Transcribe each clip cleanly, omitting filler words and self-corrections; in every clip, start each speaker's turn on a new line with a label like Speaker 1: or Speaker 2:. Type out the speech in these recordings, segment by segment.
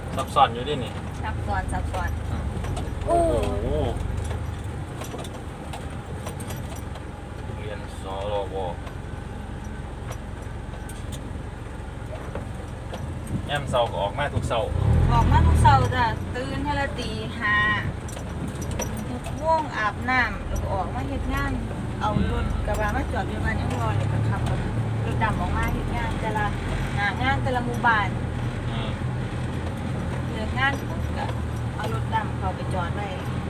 Speaker 1: ซับซ้อนอยู่ดินี่
Speaker 2: ซับซ้อน
Speaker 1: โอ้โหเรียนสรวแอมเสาก็ออกมาทุกเสา
Speaker 2: ออกมาทุกเช้าจ้ะตื่นให้ละตีห้าง่วงอาบน้ำแล้วก็ออกมาเฮ็ดงานเอารถกระบะมาจอดอยู่บ้านยังรอเลยก็ขับรถดำออกมาเฮ็ดงานแต่ละงานแต่ละหมู่บ้านเลิกงานปุ๊บก็เอารถดำเข้าไปจอดไว้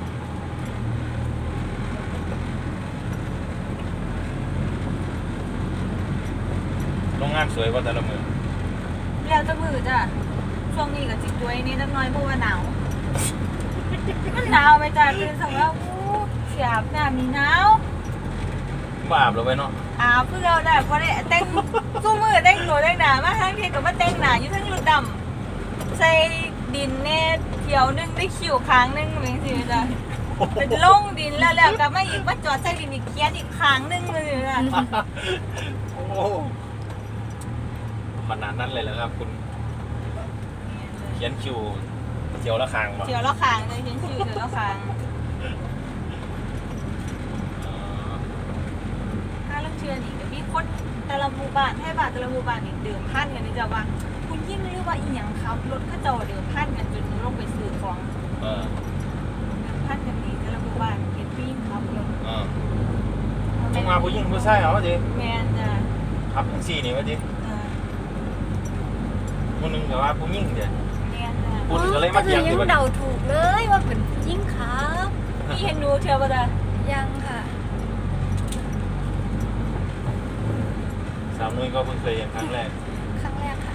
Speaker 1: โรงงานสวยกว่าแต่ละมือ
Speaker 2: แล้วจะมือจ้ะช่วงนี้ก็จิตด้วยนี่จักหน่อยเพราะว่าหนาวมันหนาวไปจ้ะตื่นสายแล้วเสียบน้ำมีหนาว
Speaker 1: บาปเราไปเนาะ
Speaker 2: เพื่อเราได้เพราะได้แต่งสู้มือแต่งตัวแต่งหนามาทั้งทีกับมาแต่งหนาอยู่ทั้งรถดำใส่ดินเน่เที่ยวนึงได้คิวค้างนึงเหมือนสิจ้ะเป็นลงดินแล้วก็มาอีกมาจอดใส่ดินอีกเคียนอีกค้างนึงเลยจ้ะ
Speaker 1: โอ้ขนาดนั้นเลยเหรอครับคุณเขียนคิวเที่ยวละครั้งป่ะ
Speaker 2: เที่ยวละค้างเลยเขียนคิวเที่ยวละค้างเชื่อนี่ก็มีคนแต่ละหมู่บ้านให้บ้านแต่ละหมู่บ้านนี่เดิมพันกันนี่จะว่าคุณยิ่งหรือว่าอีหยังครับรถก็จะเดิมพันกันจนลงไปซื้อของเดิมพันกันนี่แต่ละหมู่บ้านเห็นพี่ครับรถ
Speaker 1: ต้องมาผู้หญิงผู้ชายเหรอจี
Speaker 2: แมนจ้ะ
Speaker 1: ครับทั้งสี่นี่วะจีคนหนึ่งแต่ว่าผู้หญิงเดี๋ยว
Speaker 2: แมนจ้ะ
Speaker 1: คุณก็เลยมาเที่ยง
Speaker 3: ยังเดาถูกเลยว่าเป็นผู้หญิงครับ
Speaker 2: พี่เห็นหนูเที่ยวป่ะจ้ะ
Speaker 3: ยังค่ะ
Speaker 1: สาวนุ้ยก็เพิ่งเคยเห็นครั้งแรก
Speaker 3: ค่ะ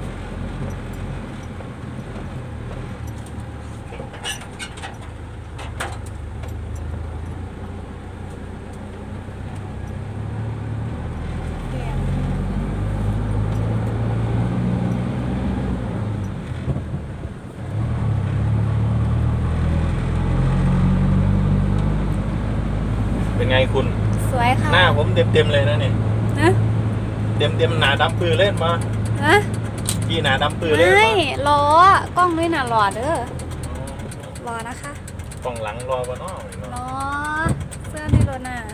Speaker 1: เป็นไงคุณ
Speaker 3: สวยค่ะ
Speaker 1: หน้าผมเต็มเลยนะเนี่ยเต็มหนาดำปืนเล่นมาพี่หนาดำปืนเล่น
Speaker 3: ไม่ล้อกล้องด้วยนะรอเด้อรอนะคะ
Speaker 1: กล้องหลังรอวะเนาะ
Speaker 3: รอเสื้อในรถน่ะ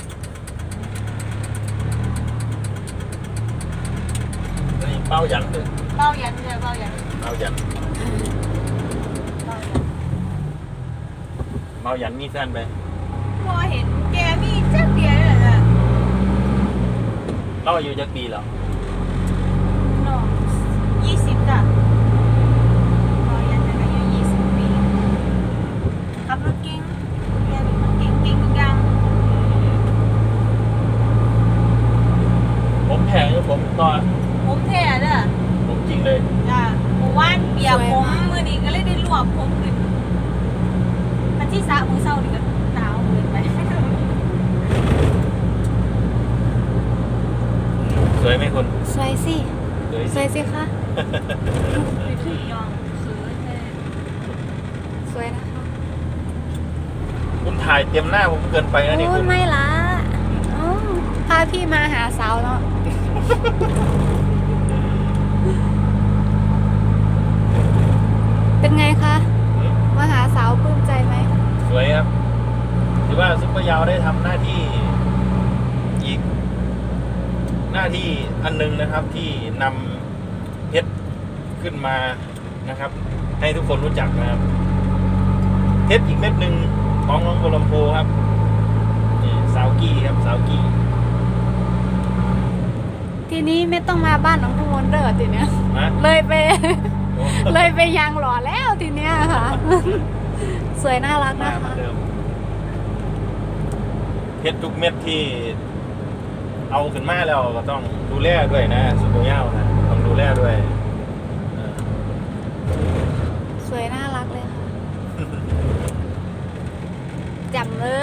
Speaker 1: นี่เป้ายันเลย
Speaker 2: เป้ายันเลยเป้ายัน
Speaker 1: เป้ายันมีแฟนไป
Speaker 2: พอเห็นแกมีเจ้าเดียวเลยจ้ะ
Speaker 1: เราอายุจะปีแล้ว
Speaker 2: น้อง20จ้ะพอยันจะอายุ20 ปีขับรถเก่งแกเป็นคนเก่งทุกอย่าง
Speaker 1: ผมแพงผมตอน
Speaker 2: ผมแท้จ้ะ
Speaker 1: ผมจริงเลย
Speaker 2: จ้ะหมู่บ้านเปียกผมมือนี้ก็เลยได้รวบผมขึ้นพันที่สะมือเศร้านี่ก็หนาวเกินไป
Speaker 1: สวยไหมคุณ
Speaker 3: สวยสิสวยสิคะ
Speaker 2: ไปถึงยอง
Speaker 3: สวยนะคะ
Speaker 1: คุณถ่ายเต็มหน้าผมเกินไปนะนี่คุณ
Speaker 3: ไม่ละพาพี่มาหาสาวเนาะเป็นไงคะมาหาสาวปลื้มใจไหม
Speaker 1: สวยครับถือว่าซุปเปอร์ยาวได้ทำหน้าที่อีกหน้าที่อันนึงนะครับที่นำเพชรขึ้นมานะครับให้ทุกคนรู้จักนะครับเพชรอีกเม็ดหนึ่งของน้องโคลัมโพครับนี่สาวกี้ครับสาวกี้
Speaker 3: ทีนี้ไม่ต้องมาบ้านน้องทุกคนเด้อทีเนี้ยเลยไปยางหล่อแล้วทีเนี้ยค่ะสวยน่ารักนะคะ
Speaker 1: เพชรทุกเม็ดที่เอาขึ้นมาแล้วก็ต้องดูแลด้วยนะซุปเปอร์ยาวนะต้องดูแลด้วย
Speaker 3: สวยน่ารักเลยค่ะจำเลย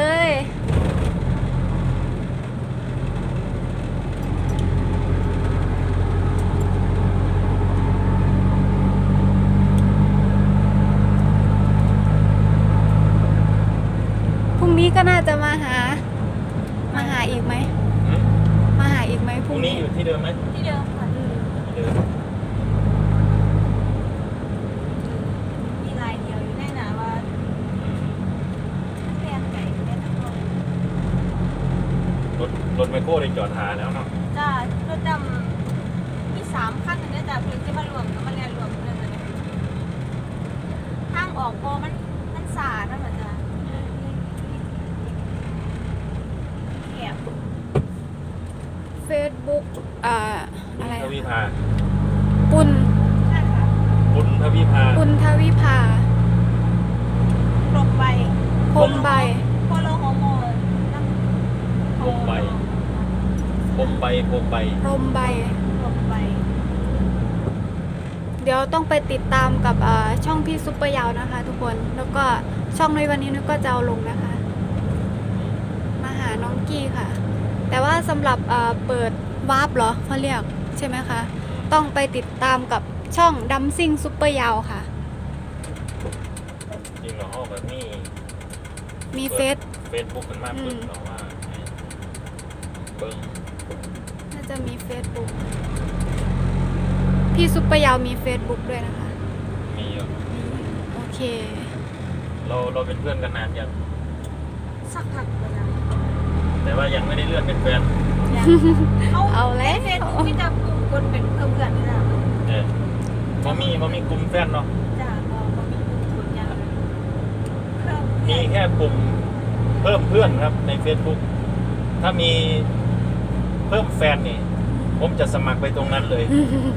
Speaker 3: นี้ก็น่าจะมาหาอีกไหมมาหาอีกไหม
Speaker 1: พรุ่งนี้อยู่ที่เดิมไหม
Speaker 2: ที่เดิมค่ะ
Speaker 1: ที่เดิม
Speaker 2: อกพอมันสาดนะเหมือนจะแคบ
Speaker 3: Facebook อะไร
Speaker 1: ทวีภา
Speaker 3: ปุณ
Speaker 2: ใช่ค่ะ
Speaker 1: ปุณทวีภา
Speaker 3: ปุณทวิภา
Speaker 2: ลงไป
Speaker 3: พรมใบ
Speaker 2: พอเราฮอร์โมน
Speaker 1: พรมใบ พรมใบ
Speaker 3: พรมใบ
Speaker 2: ลงไป
Speaker 3: เดี๋ยวต้องไปติดตามกับช่องพี่ซุปเปอร์ยาวนะคะทุกคน แล้วก็ช่องในวันนี้นุ้ยก็จะเอาลงนะคะ มาหาน้องกี้ค่ะ แต่ว่าสำหรับเปิดวาร์ปเหรอเขาเรียกใช่ไหมคะ ต้องไปติดตามกับช่องดัมซิ่งซุปเปอร์ยาวค่ะ
Speaker 1: จริงเหรอห้องแบบนี้
Speaker 3: มีเฟซ
Speaker 1: บุ๊กกันมากเปิดหรอว่าเบิ้ง
Speaker 3: น่าจะมี Facebook พี่ซุปเปอร์ยาวมี Facebook ด้วยนะคะ
Speaker 1: มีอยู่
Speaker 3: โอเค
Speaker 1: เราเป็นเพื่อนกันนานยัง
Speaker 2: สักพักเลยนะ
Speaker 1: แต่ว่ายังไม่ได้เลื่อนเป็นแฟน
Speaker 3: เอาแล้ว
Speaker 2: เฟซบุ๊กที่จะกลุ่มคนเป็นเพื่อนๆนี่นะ
Speaker 1: บ่มีกลุ่มแฟนเนาะ
Speaker 2: จ้าก็มีกลุ่มคนอย่างเพิ่ม
Speaker 1: มีแค่ปุ่มเพิ่มเพื่อนครับใน Facebook ถ้ามีเพิ่มแฟนนี่ ผมจะสมัครไปตรงนั้นเลย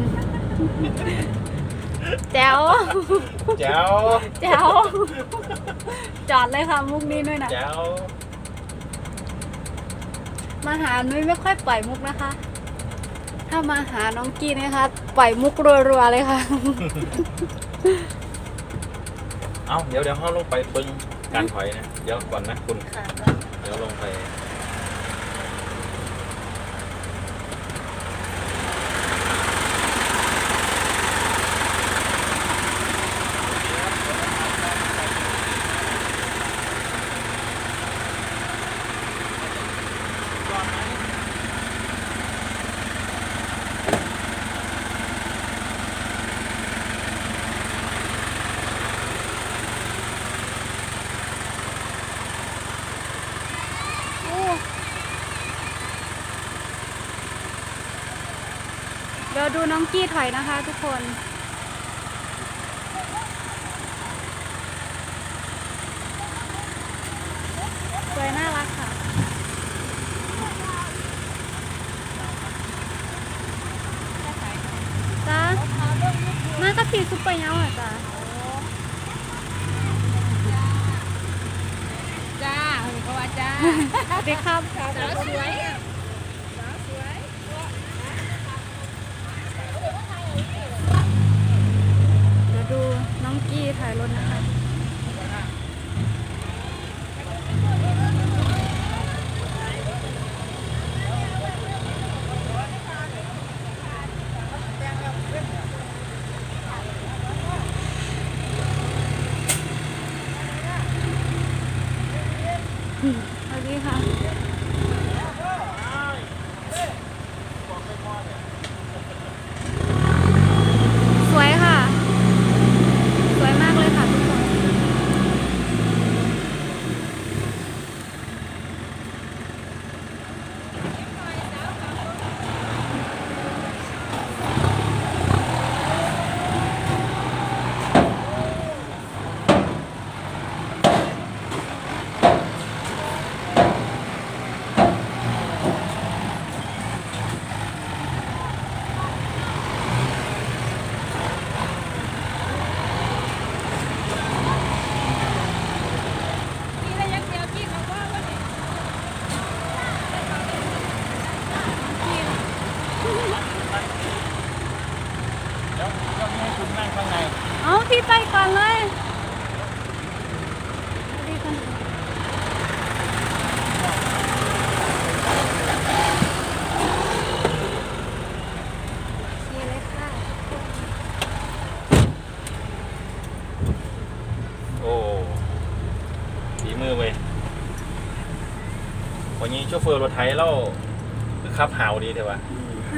Speaker 3: แจ๋ว
Speaker 1: แจ๋ว
Speaker 3: แจ๋ว จอดเลยค่ะมุกนี้ด้วยนะ
Speaker 1: แจ๋ว
Speaker 3: มาหานุ้ยไม่ค่อยปล่อยมุกนะคะ ถ้ามาหาน้องกี้นะคะ ปล่อยมุกรัวๆเลยค่ะ
Speaker 1: เอาเดี๋ยวเขาลงไปปึ้งการถอยนะเดี๋ยวก่อนนะคุณ
Speaker 2: ค่ะ
Speaker 1: เดี๋ยวลงไป
Speaker 3: เดี๋ยวดูน้องกี้ถอยนะคะทุกคน สวยน่ารักค่ะ จ้ามากับพี่ซุปเปอร์เยาว์อ่ะจ้า
Speaker 2: จ้าเขาว่าจ้า
Speaker 3: สวัสดีครับ
Speaker 2: สาวสวย
Speaker 3: เดี๋ยวดูน้องกี้ถ่ายรถนะคะ สวัสดีค่ะ สวยค่ะ สวยมากเลยค่ะทุกคน
Speaker 1: เดี๋ยวให้คุณนั่งข้างใน
Speaker 3: เอาพี่ไปก่อนเลยสวัสดีค่ะโอเคเลยค่ะ
Speaker 1: โอ้ฝีมือเว้ยวันนี้โชเฟอร์รถไถเราคือขับหาวดีเถอะวะ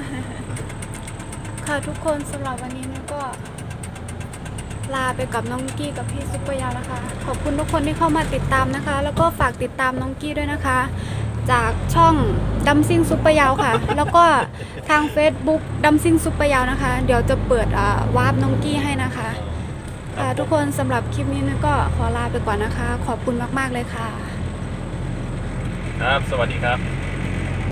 Speaker 3: ค่ะทุกคนสำหรับวันนี้เนี่ยก็ลาไปกับน้องกี้กับพี่ซุปเปอร์ยาวนะคะ ขอบคุณทุกคนที่เข้ามาติดตามนะคะ แล้วก็ฝากติดตามน้องกี้ด้วยนะคะ จากช่องดัมซิงซุปเปอร์ยาวค่ะ แล้วก็ทาง Facebook ดัมซิงซุปเปอร์ยาวนะคะ เดี๋ยวจะเปิดวาร์ปน้องกี้ให้นะคะค่ะทุกคนสำหรับคลิปนี้นุ้ยก็ขอลาไปก่อนนะคะ ขอบคุณมากๆเลยค่ะ
Speaker 1: ครับ สวัสดีครับ